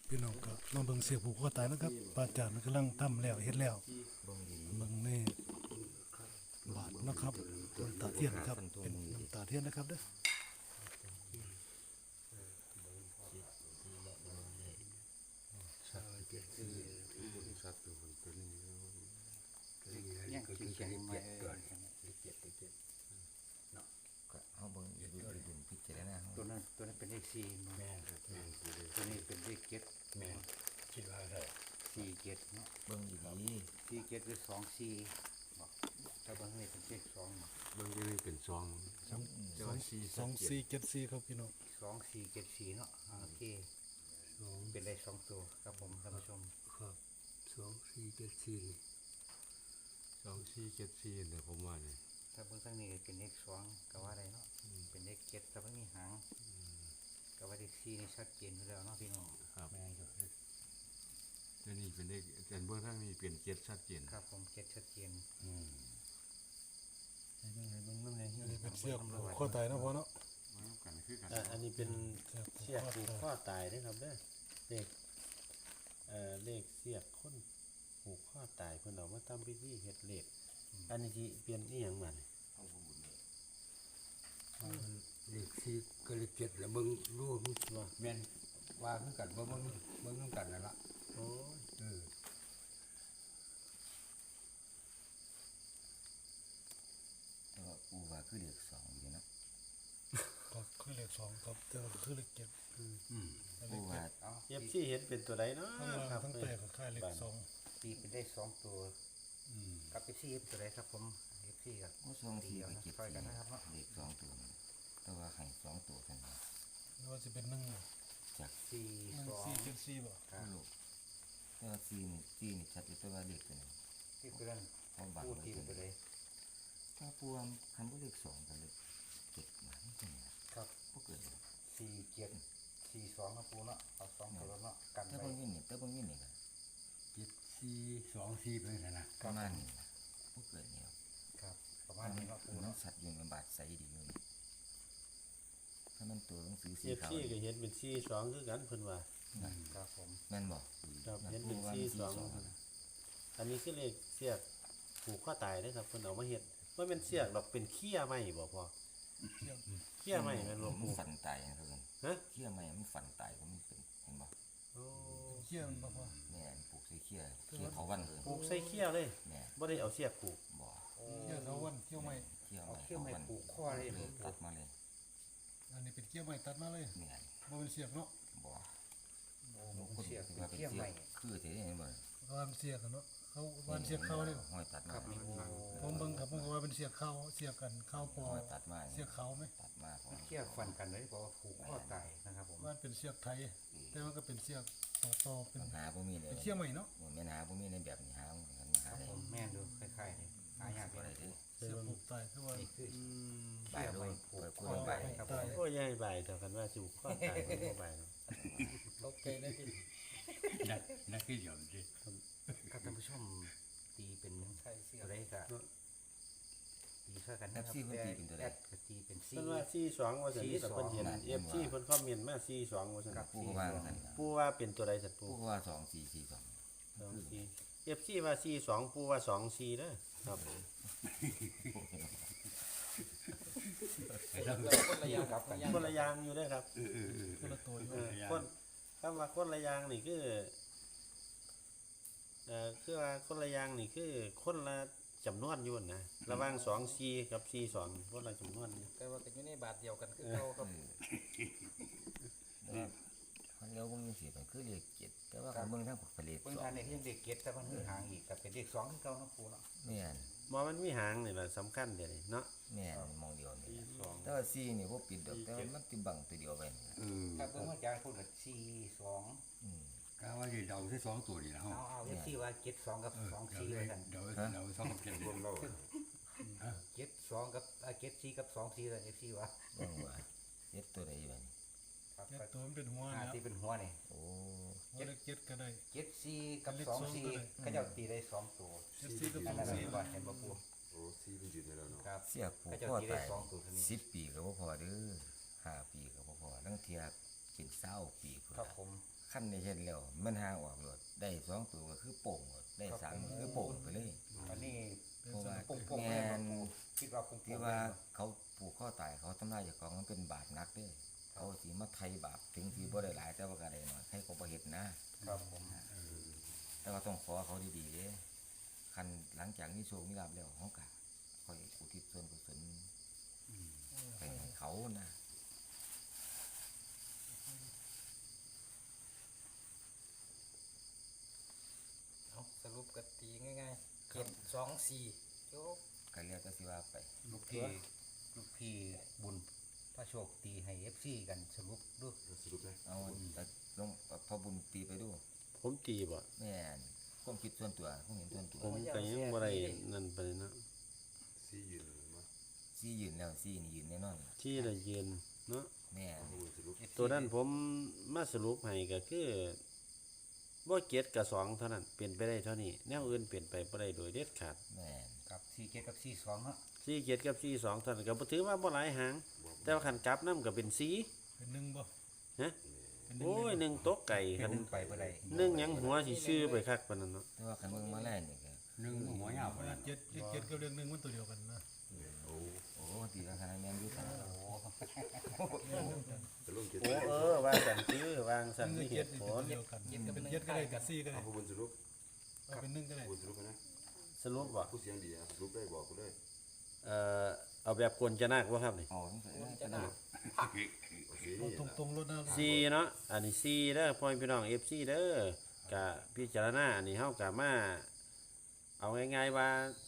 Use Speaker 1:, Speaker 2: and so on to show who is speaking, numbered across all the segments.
Speaker 1: พี่น้องก็มาเบิ่งเสียผูกคอตายนะครับพระอาจารย์กำลังทำแล้วเฮ็ดแล้วเบิ่งนี่บาทนะครับน้ำตาเทียนครับเป็นน้ำตาเทียนนะครับเด้อ
Speaker 2: ยังกินแข็งมา
Speaker 3: เขาเบิ่งอยู่ดุนพิจารณา
Speaker 2: ตัวนั้นเป็นเลขสี่แม่ตัวนี้เป็นเลขเจ็ดแม่คิดว่าอะไรสี่เจ็ดเนาะ
Speaker 3: เบิ่งดี
Speaker 2: สี่เจ็ดหรือสองสี่บอกถ้าบางนี่เป็นเลขสอง
Speaker 4: บางทีมันเป็นซอง
Speaker 1: 2474ครับพี่น้อง
Speaker 2: สองสี่เจ็ดสี่เนาะโอเคเป็นเลขสองตัวครับผมท่านผู้ชม
Speaker 4: ครับ2474เนี่ยผมว่าเนี่ย
Speaker 2: ถ้าเบื้องต้นนี้เป็นเลขสองก็ว่าอะไรเนาะเป็นเลขเจ็ดแต่ว่ามีหางก็ว่าเลขสี่นี่ชัดเจนอยู่แล้วเนาะพี่น้อง
Speaker 4: ครับแม่อยู่แล้วนี่เป็นเลขแต่เบื้องต้นนี้เป็นเจ็ดชัดเจน
Speaker 2: ครับผมเจ็ดชัดเจน
Speaker 1: อันนี้เป็นเสียผูกคอตายนะพ่อเนาะ
Speaker 5: อันนี้เป็นเสียกผูกข้อตายนะครับเด้อเลขเสียกคนผูกข้อตายเพิ่นเอามาทำพิธีเฮ็ดเลขอันนี้สิเปลี่ยนอีหยังมัน
Speaker 4: เลขสี่ก็เลขเจ็ดแล้วมึงรู้ว่าแม่นว่าคือกันบ่มึงคือกันนั่นล่ะ
Speaker 5: โอ้
Speaker 3: แต่ว่าปูว่าคือเลข2อยู่นะ
Speaker 1: ก็คือเลข2ครับแต่ว่าคือเลข7
Speaker 3: ปูว่า
Speaker 5: FC เห็นเป็นตัวใดเนาะครับ
Speaker 1: ทั้งแต่ก็คล้ายเลข
Speaker 2: ตีเป็นได้สองตัวกับเลขสี่ตัวไหนครับผมเลขสี่ครับ
Speaker 3: 2 4กับ7
Speaker 2: คอยกันนะครับเนาะ
Speaker 3: เลข2ตัวแต่ว่าให้2ตัวเท่านั้น
Speaker 1: หรือว่าสิเป็น
Speaker 3: จาก
Speaker 2: สี่สอง
Speaker 1: 1474บ่
Speaker 3: ลูกแต่ว่า4นี่ชัดอยู่แต่ว่าเลขตัวนี้
Speaker 2: ที่คือนั่นพูดทีไปเลย
Speaker 3: ถ้าปูคันบ่เลข2กับเลข7มานี่จังได๋
Speaker 2: ครับ
Speaker 3: บ่เกิด
Speaker 2: สี่เจ็ดสี่สองนะปูเนาะเอาสองตัวเนาะกันไป
Speaker 3: แต่บางนี่ก็
Speaker 4: 7424เป็นนั่นน่ะ
Speaker 3: ประมาณนี้บ่เกิดนี่
Speaker 2: ครับประมาณนี้เนาะปู
Speaker 3: เนาะ
Speaker 2: เนาะ
Speaker 3: สัตว์อยู่ในบาดใสดีอยู่นี่ถ้ามันตัวหนังสือสีขาว
Speaker 5: FC ก็เห็นเป็น42คือกันเพิ่นว่า
Speaker 2: ครับผม
Speaker 3: แม่นบ่
Speaker 5: ครับเห็นเป็น42อันนี้คือเลขเสียกผูกข้อตายเด้อครับเพิ่นเอามาเฮ็ดบ่แม่นเสียกดอกเป็นเขี้ยไม้บ่พ่อเขี้ยไม้แม่นบ่
Speaker 3: มันฝันตายนะเพิ่น
Speaker 5: ฮะ
Speaker 3: เขี้ยไม้มันฝันตายมันเป็นเห็นบ่
Speaker 5: โอ้
Speaker 1: เขี้ยมันบ่พ่อ
Speaker 3: แม่นปลูกใส่เขี้ยเขาวันเลย
Speaker 5: ผูกใส่เขี้ยเลยบ่ได้เอาเสียกผูก
Speaker 3: บ่
Speaker 1: เขี้ยเขาวันเขี้ยวไม้
Speaker 3: เขี้ย
Speaker 2: ไม้ผูกข้อเลย
Speaker 3: ตัดมาเลย
Speaker 1: อันนี้เป็นเขี้ยวไม้ตัดมาเลย
Speaker 3: แม่น
Speaker 1: บ่เป็นเสียกเนาะ
Speaker 3: บ่
Speaker 2: เสียเป็นเขี้ยวไม้
Speaker 3: คือสิเห็นบ่
Speaker 1: ว่าเป็นเสียกกันเนาะเขาว่าเสียกเข้าเลย
Speaker 3: ห้อยตัดมา
Speaker 1: ผมเบิ่งครับมันก็ว่าเป็นเสียกเข้าเสียกกันเข้าปอ
Speaker 3: ตัดมา
Speaker 1: เสียกเขามั้ย
Speaker 3: ตัดมา
Speaker 2: เขี้ยวฟันกันเลยเพราะว่าผูกข้อตายนะครับผม
Speaker 1: ว่าเป็นเสียกไทยแต่มันก็เป็นเสียกต่อเป็น
Speaker 3: หาบ่มีเลย
Speaker 1: เขี้ยวไม้เนาะ
Speaker 3: แม่นหาบ่มีในแบบนี้หาได้
Speaker 2: ผมแม่นดูคล้ายๆนี่หายาก
Speaker 3: เลย
Speaker 1: เสียกผูกตายคือว่า
Speaker 2: นี่คือ
Speaker 3: ใบดู
Speaker 2: ผูกข้อตายครับผม
Speaker 5: โอ้ยใหญ่ใบเท่ากันว่าสิผูกข้อตายบ่ใบเนาะ
Speaker 2: โอเคนะพี่
Speaker 4: นักที่ยอมสิ
Speaker 2: ครับท่านผู้ชมตีเป็นอะไรครับตีเท่ากันนะครับแอดก็ตีเป็น
Speaker 5: 4เพิ่นว่า42ว่าซั่นนี่แต่เพิ่นเห็น FC เพิ่นคอมเมนต์มา42ว่าซั่น
Speaker 3: ปูว่าซั่น
Speaker 5: ปูว่าเป็นตัวใดซั่นปู
Speaker 3: ว่า2442
Speaker 5: FC ว่า42ปูว่า24เด้อครับคนละอย่างอยู่เด้อครับ
Speaker 1: คนละตัวอยู่
Speaker 5: คนคำว่าคนละอย่างนี่คือว่าคนละอย่างนี่คือคนละจำนวนอยู่นะระหว่าง24กับ42คนละจำนวน
Speaker 2: แต่ว่าก็อยู่ในบาทเดียวกันคือเก่าครับ
Speaker 3: มันแล้วเบิ่งสิมันคือเลข7แต่ว่าคันเบิ่งทางผลิต
Speaker 2: เบิ่งทางนี้ยังเลข7แต่มันคือหางอีกก็เป็นเลข2คือเก่าเนาะปูเนาะ
Speaker 3: แม่น
Speaker 5: มันมีหางนี่ล่ะสำคัญเด้นี่เนาะ
Speaker 3: แม่นมองเดียวนี่แต่ว่า4นี่บ่ปิดดอกแต่มันสิบังตัวเดียวไว้
Speaker 2: ครับเบิ่งว่าอาจารย์พูดว่า42
Speaker 4: ก็ว่าสิเดาใส่2ตัวนี่ล่ะเฮา
Speaker 2: เอาFCว่า72กับ24เลยกัน
Speaker 4: เดา2กับ7รวมแล้ว
Speaker 2: 72กับ74กับ24เลย FC ว่า
Speaker 3: ว่าเฮ็ดตัวใดบัดนี้
Speaker 1: ครับตัวมันเป็นหัวนะ
Speaker 2: ที่เป็นหัวนี่
Speaker 3: โอ้
Speaker 1: 7ก็ได้
Speaker 2: 74กับ24ก็จะตีได้2ตัว
Speaker 1: 74กับ
Speaker 2: 24ว่าเห็นบ่ปู
Speaker 4: โอ้4มันอยู่ในแล้วเนาะ
Speaker 2: ครับ
Speaker 3: เสียผูกคอตาย10 ปีก็บ่พอเด้อ5 ปีก็บ่พอทั้งเทียเป็น20 ปีพุ่น
Speaker 2: ครับผม
Speaker 3: คขั้นในเห็นแล้วมันหาออกโลดได้2ตัวก็คือโป่งโลดได้3ก็คือโป่งไปเลย
Speaker 2: อันนี้
Speaker 3: เพราะว่า
Speaker 2: ปุ่งๆ
Speaker 3: แม่
Speaker 2: เลย
Speaker 3: น
Speaker 2: คิดว่าปุ่งๆ
Speaker 3: ที่ว่าเขาผูกข้อตายเขาทำลายเจ้าของมันเป็นบาปหนักเด้อเขาสิมาไถ่บาปถึงสิบ่ได้หลายแต่ว่าก็ได้น้อยให้เขาบ่เฮ็ดนะครับ
Speaker 2: ผม
Speaker 3: แต่ว่าต้องขอเขาดีๆเด้คันหลังจากนี้โชคมีลาภแล้วเฮาก็ค่อยอุทิศส่วนกุศลไปให้เขานะ
Speaker 6: เอาสรุปกตีง่ายๆ7 2 4โยก
Speaker 3: ก็เรียกก็สิว่าไป
Speaker 2: ลูกพี่บุญพระโชคตีให้ FC กันสรุปดู
Speaker 3: เอาแต่ลงพอบุญตีไปดู
Speaker 5: ผมตีบ่
Speaker 3: แม่นความคิดส่วนตัวความเห็นส่วนตัว
Speaker 5: ผมก็ยังบ่ได้นั่นไปนะ
Speaker 3: ซี่ยืนแล้วซี่นี่ยืนแน่นอนล่ะ
Speaker 5: ที่ละเย็นเนาะ
Speaker 3: แม่น
Speaker 5: ตัวนั้นผมมาสรุปให้ก็คือบ่เกียรติกับ2เท่านั้นเปลี่ยนไปได้เท่านี้แนวอื่นเปลี่ยนไปบ่ได้โดยเด็ดขาด
Speaker 3: แม่น
Speaker 2: กับ47กับ42ฮะ
Speaker 5: 4เกียรติกับ4 2เท่านั้นก็บ่ถือว่าบ่หลายหาง แต่ว่าคันกลับนำก็เป็น4
Speaker 1: เป็นหนึ่งบ่
Speaker 5: ฮะโอ้ย1ตกไก่คัน
Speaker 2: ไปบ่ได้
Speaker 5: 1หยังหัวสิซื้อไปคักปานนั้นเนาะ
Speaker 3: แต่ว่าคันเบิ่งมาแล่นี่ก็
Speaker 4: หนึ่งหัวยาวกว่านั้น
Speaker 1: เจ็ดเจ็ดกับเรื่องหนึ่งมันตัวเดียวกันนะ
Speaker 3: โอ้ตีราคาแม่นอยู่ซั่น
Speaker 5: โอ้วางสันซื้อวางสัน
Speaker 1: หนึ่
Speaker 5: มี
Speaker 1: ง
Speaker 5: เห
Speaker 1: เจ็ด
Speaker 5: ตุ
Speaker 1: นี่
Speaker 5: ผ
Speaker 1: ตัว
Speaker 5: ล
Speaker 1: เดียวกันเป็นเจ็ดก็ได้กับซี่ก็ได้เอาเป็นหนึ่งก็ได้
Speaker 5: สรุปบ่
Speaker 7: ผู้เสียงดีครับรูปได้บอกกูเลย
Speaker 5: เอาแบบกวนจะนักบ่ครับนี่
Speaker 3: อ๋อนี่ก็ได้
Speaker 1: เอาตรงๆรถนะ
Speaker 5: 4เนาะอันนี้4เด้อพ่อพี่น้อง FC เด้อกะพิจารณาอันนี้เฮากะมาเอาง่ายๆว่า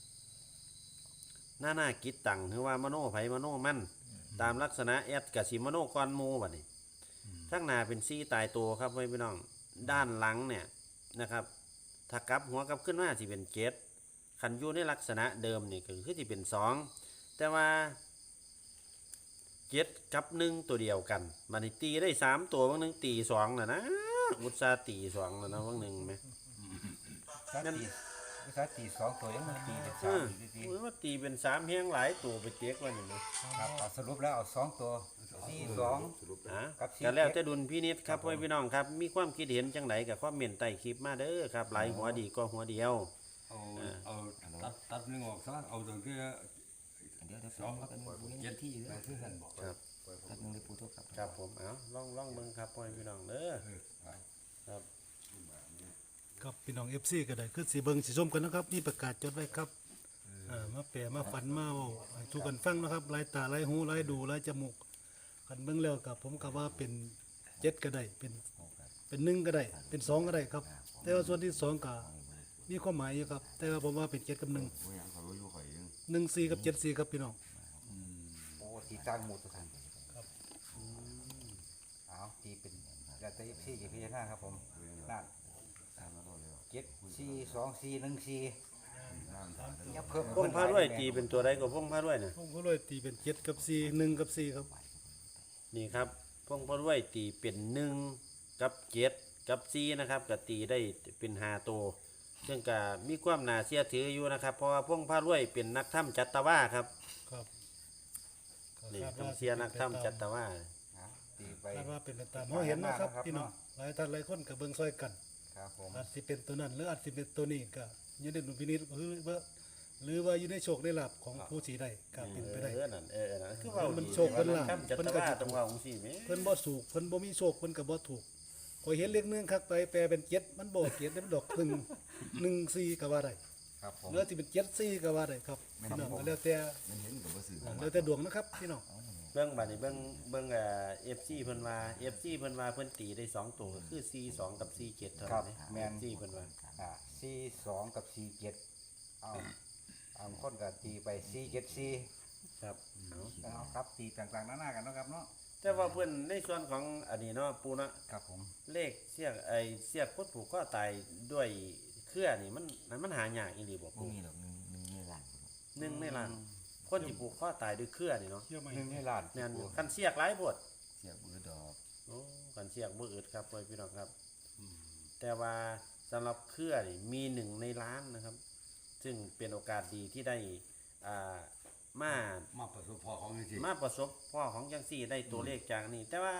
Speaker 5: หน้ากิจตังหรือว่ามโนไผมโนมันตามลักษณะแอดกะสิมโนก่อนหมู่บัดนี้ทั้งหน้าเป็น4ตายตัวครับพ่อพี่น้องด้านหลังเนี่ยนะครับถ้ากลับหัวกลับขึ้นมาสิเป็น7คันอยู่ในลักษณะเดิมนี่ก็คือสิเป็น2แต่ว่า7กับ1ตัวเดียวกันบัดนี้ตีได้3ตัวบางนึงตี2น่ะนะอุตส่าห์ตี2แล้วนะบางนึงแหม
Speaker 2: ถ้าตี2ตัวยังมันตีเป็น
Speaker 5: อืม
Speaker 2: 3ตี
Speaker 5: โอ้ยว่าตีเป็น3เฮียงหลายตัวไปเจ๊กว่านี่นะครับ
Speaker 2: เอาสรุปแล้วเอา2ตัว42
Speaker 5: อ่ะ
Speaker 2: กับ4
Speaker 5: ก็แล้วแต่ดุลพินิจครับพ่อพี่น้องครับ มีความคิดเห็นจังไดกับความเมนใต้คลิปมาเด้อครับหลายหัวดีก็หัวเดียว
Speaker 4: เอาตัดหนึ่งออกซะเอาตรงที่
Speaker 3: เดี๋ยวสองกันเย็นที่อยู่แล้ว
Speaker 5: ครับ
Speaker 3: ครับนึงได้พูดทุกครับ
Speaker 5: ครับผมเอาลองเบิ่งครับพ่อพี่น้องเด้อครับ
Speaker 1: ครับพี่น้อง FC ก็ได้คือสีเบิงสีส้มกันนะครับนี่ประกาศจดไว้ครับมาแปรมาฝันมาเว้าให้ทุกคนฟังนะครับลายตาลายหูลายดูลายจมูกกันเบิ่งแล้วกับผมก็ว่าเป็นเจ็ดก็ได้เป็นหนึ่งก็ได้เป็น2ก็ได้ครับ แต่ว่าส่วนที่2ก็มีความหมายอยู่ครับ แต่ว่าผมว่าเป็น7กับ1
Speaker 7: ผู้ยังเขาอยู่ข่อยยัง
Speaker 1: 1 4กับ7 4ครับพี่น้อง
Speaker 2: โอ้ตีตั้งหมดทุกท่านครับเอาตีเป็นแล้วแต่ FC จะพิจารณาครับผมนั่น7 4 2 4 1 4อย่าเพิ่ม
Speaker 5: พงพาด้วยตีเป็นตัวใดก็พงพาด้วยนะ
Speaker 1: ผมก็เลยตีเป็น7กับ4 1กับ4ครับ
Speaker 5: นี่ครับพงพาด้วยตีเป็น1กับ7กับ4นะครับก็ตีได้เป็น5ตัวซึ่งก็มีความน่าเชื่อถืออยู่นะครับ เพราะว่าพงพาด้วยเป็นนักถ้ำจัตวาครับ
Speaker 1: ครับ
Speaker 5: นี่ต้องเสียนักถ้ำจัตวา
Speaker 2: เอาตีไป
Speaker 1: คาดว่าเป็นไปตามเฮาเห็นนะครับพี่น้องหลายท่านหลายคนก็เบิ่งซอยกัน
Speaker 2: ครับผม
Speaker 1: อาจสิเป็นตัวนั้นหรืออาจสิเป็นตัวนี้ก็อยู่ในดุลพินิจหรือว่าอยู่ในโชคในลาภของผู้สีใดก็เป็นไปได้
Speaker 5: นั่นนั่นคือว่า
Speaker 1: มันโชคเพิ่นล่ะ
Speaker 5: ถ้ำจัต
Speaker 1: เพิ่นก็
Speaker 5: วา
Speaker 1: จะ
Speaker 5: ตรงว่าองค์สี่แม่
Speaker 1: เพิ่นบ่ถูกเพิ่นบ่มีโชคเพิ่นก็บ่ถูกข่อยเห็นเลขหนึงคักไปแปลเป็น7มันบ่7มันดอก1 4ก็ว่าได้
Speaker 2: ครับผม
Speaker 1: หรือสิเป็น7 4ก็ว่าได้ครับพี่น้องก็แล้วแต่
Speaker 3: มันเห็นกับว่าสื่อ
Speaker 1: แล้วแต่ดวงนะครับพี่น้อง
Speaker 5: เบิ่งบัดนี้เบิ่งFC เพิ่นว่า FC เพิ่นว่าเพิ่นตีได้2ตัวก็คือ 42 กับ 47เท่า
Speaker 2: ครั
Speaker 5: นั้
Speaker 2: บ
Speaker 5: น
Speaker 2: แม่น
Speaker 5: FC เพิ่นว่า
Speaker 2: 42 กับ 47เอาคนก็ตีไป474
Speaker 5: ครับเอา
Speaker 2: เอาครับตีต่างๆนานากันเนาะครับเนาะ
Speaker 5: แต่ว่าเพิ่นในส่วนของอันนี้เนาะปูเนาะ
Speaker 2: ครับผม
Speaker 5: เลขเสียกเสียกพุทธผูกข้อตายด้วยเครือนี่มันหายากอีหลีบ่
Speaker 3: พว
Speaker 5: ปู
Speaker 3: กนี้หรอกหนึ่งในหลัง
Speaker 5: หนึ่งในล้านคนที่ผูกข้อตายด้วยเครือนี่เนาะ
Speaker 1: เชื่อไหม
Speaker 2: 1ในล้าน
Speaker 5: แม่นอยู่คันเสียกหลายโพด
Speaker 3: เสียบือดอก
Speaker 5: โอ้กันเสียกบ่อึดครับพ่อพี่น้องครับแต่ว่าสำหรับเครือนี่มี1ในล้านนะครับ ซึ่งเป็นโอกาสดีที่ได้อ่ามา
Speaker 4: มาประสบพอของจริง
Speaker 5: มาประสบพ่อของจังซี่ได้ตัวเลขจากนี่แต่ว่า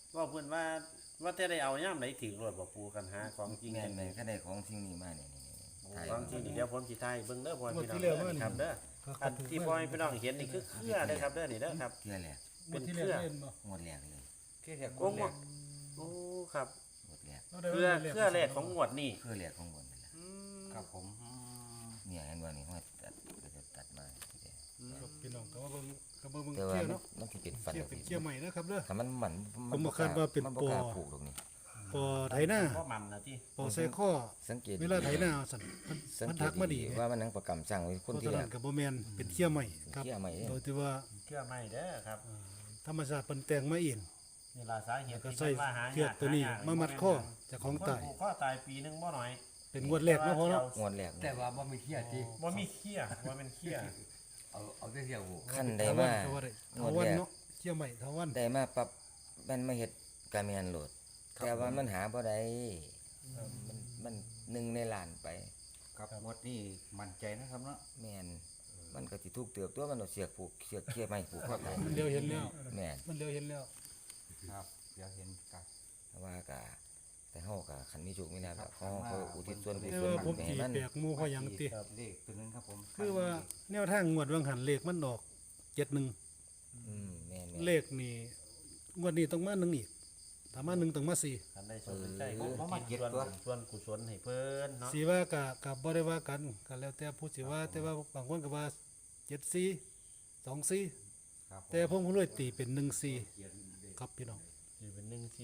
Speaker 5: ว่าเพิ่นว่าแต่ได้เอาย่ำไหนถึงรถบ่ปูกันหาของจริง
Speaker 3: แม่
Speaker 5: จั
Speaker 3: น
Speaker 5: ง
Speaker 3: แม่นก็ได้ของสิ่งนี้มานี่ถ่าย
Speaker 5: ของจริงนี่เดี๋ยวผมสิถ่ายเบิ่งเด้อพ่อ
Speaker 1: หมด
Speaker 5: พี่น้อง
Speaker 1: ที่แล้วมานี่
Speaker 5: ครับเด้ออันที่พ่อพี่น้องเห็นนี่คือเครือเด้อครับเด้อนี่เด้อครับ
Speaker 3: เทื่อแรก
Speaker 1: หมดที่แล้วเล่นบ่
Speaker 3: งวดแรกเลย
Speaker 6: ที่เรียก
Speaker 5: โอ้โหโอ้ครับ
Speaker 3: งวดแรก
Speaker 1: เอาได้
Speaker 5: เครือ
Speaker 1: ว่า
Speaker 5: เครือแรกของงวดนี่
Speaker 3: เทื่อแรกของบนนั่นแหละ
Speaker 6: ครับผม
Speaker 3: เนี่ยเห็นว่านี่ห้อยตัดก็จะตัดมา
Speaker 1: ครับพี่น้องก็มาเบิ่งก็มาเบิ่ง
Speaker 3: แต่ว่า
Speaker 1: เที่ยว
Speaker 3: มัน
Speaker 1: เนาะ
Speaker 3: มันสิเป็นฟัน
Speaker 1: เที่ยวเป็นเที่ยวใหม่นะครับเด้อ
Speaker 3: ถ้ามันหมัน
Speaker 1: ผมบอกคาดว่าเป็น
Speaker 3: มันบ่กล้า
Speaker 1: ปอ
Speaker 3: ปลูกตรงนี้
Speaker 1: ปอไถหน้า
Speaker 5: พ่อมันนะที่
Speaker 1: ปอใส่ข้อ
Speaker 3: สังเกต
Speaker 1: เวลาไถหน้าสั่น
Speaker 3: สัง
Speaker 1: มัน
Speaker 3: เก
Speaker 1: ทั
Speaker 3: ต
Speaker 1: กมาดี
Speaker 3: ว่ามันหนังประกำสร้างไว้คน
Speaker 1: เพราะ
Speaker 3: ที่
Speaker 1: ฉะ
Speaker 3: แร
Speaker 1: นั้
Speaker 3: ก
Speaker 1: นก็บ่แม่นเป็นเที่ยวใหม่ครับ
Speaker 3: เที่ยวใหม่เด้
Speaker 1: โดยที่ว่า
Speaker 5: เครือใหม่เด้อครับ
Speaker 1: ธรรมชาติเพิ่นแต่งมาเอง
Speaker 5: นี่ล่ะสาเหตุ
Speaker 1: ก็
Speaker 5: ที่
Speaker 1: ใส่
Speaker 5: เพิ่นว่าหา
Speaker 1: เชือกตัวนี้มามัดข้อเจากของตาย
Speaker 5: คนผูกข้อตายปีหนึงบ่น้อย
Speaker 1: เป็นงวดแรกเนาะพ่อเนาะ
Speaker 3: งวดแรก
Speaker 4: แต่ว่าบ่มีเที่ยที่
Speaker 5: บ่มีเขี้ยบ่เป็นเขี้ย
Speaker 4: เอาแต่เที่ยวหู
Speaker 3: ขั้นใด
Speaker 1: เทาวั
Speaker 3: มา
Speaker 1: ก็ว่าได้
Speaker 3: ง
Speaker 1: เทาว
Speaker 3: ด
Speaker 1: วัน
Speaker 3: แรก
Speaker 1: เนาะเที่ยวใหม่เทาวัน
Speaker 3: ได้มาปรับมันมาเฮ็ดการแม่นโหลด แต่ว่ามันหาบ่ได้มันหนึ่งในล้านไป
Speaker 6: ครับงวดนี้มั่นใจนะครับเนาะ
Speaker 3: แม่นมันก็สิถูกเติบตัวมันเอาเสียกผูกเสียกเขี้ยไม้ผูกคอตาย
Speaker 1: มันเร็วเห็นแล้ว
Speaker 3: แม่น
Speaker 1: มันเร็วเห็นแล้ว
Speaker 6: ครับเดี๋ยวเห็นกัน
Speaker 3: แต่ว่าก็แต่เฮาก็คันมีโชคมีลาภก็เขาอุทิศส่วนกุ
Speaker 1: แต่
Speaker 3: ศล
Speaker 1: ว่าผม
Speaker 3: ไป
Speaker 1: ตี
Speaker 3: ให้มัน
Speaker 1: แปลกหมู่เพราะหยังติ
Speaker 6: เลขตัวนึงครับผม
Speaker 1: คือว่าแนวทางงวดวังหันเลขมันออก71
Speaker 3: แม่น
Speaker 1: เลขนี่งวดนี้ต้องมา1อีกถ้ามา1ต้องมา4
Speaker 5: คันได้สนใจก็ส่วนกุศลให้เพิ่นเนาะ
Speaker 1: สิว่าก็บ่ได้ว่ากันก็แล้วแต่ผู้สิว่าแต่ว่าบางคนก็ว่า74 24
Speaker 6: ครับผม
Speaker 1: แต่ผมรวยตีเป็น14ครับพี่น้อง
Speaker 5: สิเป็นหนึ่งที่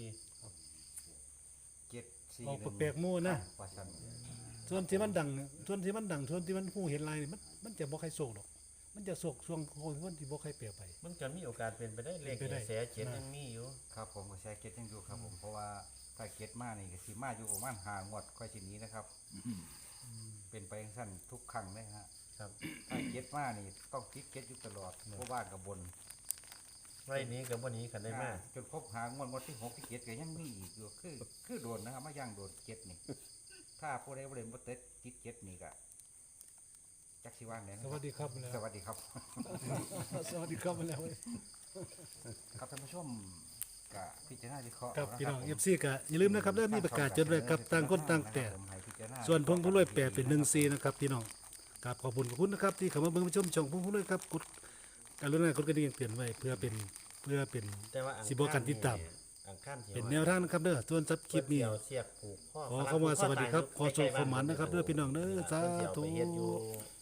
Speaker 6: 7
Speaker 1: ออก
Speaker 6: 4
Speaker 1: แปลกๆหมู่นะ
Speaker 6: ว่าซั่น
Speaker 1: ส่วนที่มันดังส่วนที่มันฮู้เห็นลายนี่มันจะบ่ใครโศกดอก มันจะโศกช่วงคนที่บ่ใครเปรียบไป
Speaker 5: มันก็มีโอกาสเป็นไปได้เลข
Speaker 1: เป็นไปได้
Speaker 5: แสเจ็ดยังมีอยู่
Speaker 6: ครับผมก็แชร์เก็ตยังอยู่ครับผมเพราะว่าถ้าเก็ตมานี่ก็สิมาอยู่ประมาณ5งวดค่อยสิหนี้นะครับเป็นไปจังซั่นทุกครั้งเลยฮะ
Speaker 5: ครับ
Speaker 6: ถ้าเก็ตมานี่ต้องติดเก็ตอยู่ตลอดเพราะว่ากับบน
Speaker 5: ไว้นี้กับวันนี้กันได้มาก
Speaker 6: จนครบหางวดที่6ที่7ก็ยังมีอีกอยู่คือโดนนะครับมาย่างโดนเก็ตนี่ ถ้าผู้ใดบ่ได้บ่ติดเก็ตนี่ก็จักสิว่าแหน่นะ
Speaker 1: สวัสดีครับแล้ว
Speaker 6: สวัสดีครับ
Speaker 1: สวัสดีครับมาแล้วเว้ย
Speaker 6: ครับท่านผู้ชมก็พิจารณาวิเคราะห์
Speaker 1: ครับ
Speaker 6: เาะ
Speaker 1: พี่น้อง
Speaker 6: ผม
Speaker 1: FC ก็อย่าลืมนะครับเริ่มมีประกาศจดไว้ครับต่างคนต่างแต่
Speaker 6: ผมให้พิจารณา
Speaker 1: ส่วนพงผู้รวยแปลเป็น14นะครับพี่น้องกราบขอบคุณนะครับที่เข้ามาเบิ่งชมช่องพงผู้รวยครับกดกรุณากดกระดิ่งเตือนไว้เพื่อเป็น
Speaker 5: แต่ว่า
Speaker 1: สิบ่กันติดตาม
Speaker 5: อังคารที่
Speaker 1: เป็นแนวทางนะครับเด้อส่วนซับคลิปนี้
Speaker 5: เกี่ยวเสียบผูกข้อ
Speaker 1: ขอเข้ามาสวัสดีครับขอโชคขอหมันนะครับเด้อพี่น้องเด้อสาธุ
Speaker 5: เพิ่นสิเอาไปเฮ็ดอยู่